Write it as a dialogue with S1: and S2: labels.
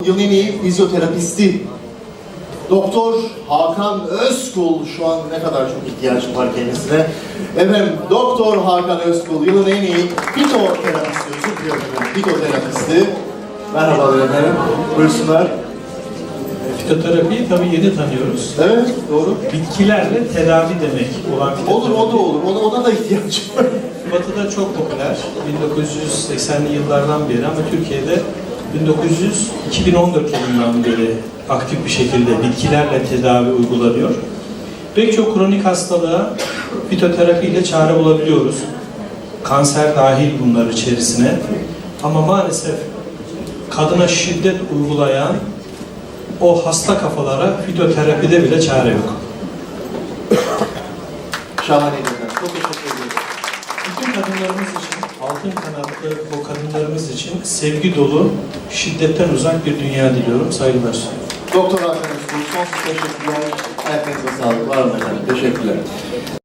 S1: yılın en iyi fizyoterapisti. Doktor Hakan Özkul, şu an ne kadar çok ihtiyacım var kendisine. Efendim, Doktor Hakan Özkul, yılın en iyi fitoterapisti, özür diliyorum efendim, fitoterapisti. Merhabalar efendim, buyursunlar.
S2: Fitoterapiyi tabii yeni tanıyoruz.
S1: Evet, doğru.
S2: Bitkilerle tedavi demek olan fitoterapi.
S1: Olur, o da olur. Ona da ihtiyacım var.
S2: Batı'da çok popüler. 1980'li yıllardan beri ama Türkiye'de 2014 yılından beri aktif bir şekilde bitkilerle tedavi uygulanıyor. Pek çok kronik hastalığa fitoterapi ile çare bulabiliyoruz. Kanser dahil bunlar içerisine. Ama maalesef kadına şiddet uygulayan o hasta kafalara fitoterapide bile çare yok.
S1: Şahane efendim. Çok teşekkür ederim.
S2: Bütün kadınlarımız için, altın kanatlı o kadınlarımız için sevgi dolu, şiddetten uzak bir dünya diliyorum. Saygılar.
S1: Doktor Hakan Özkul, sonsuz teşekkürler. Ayaklarınıza sağlık. Var mı efendim? Teşekkürler.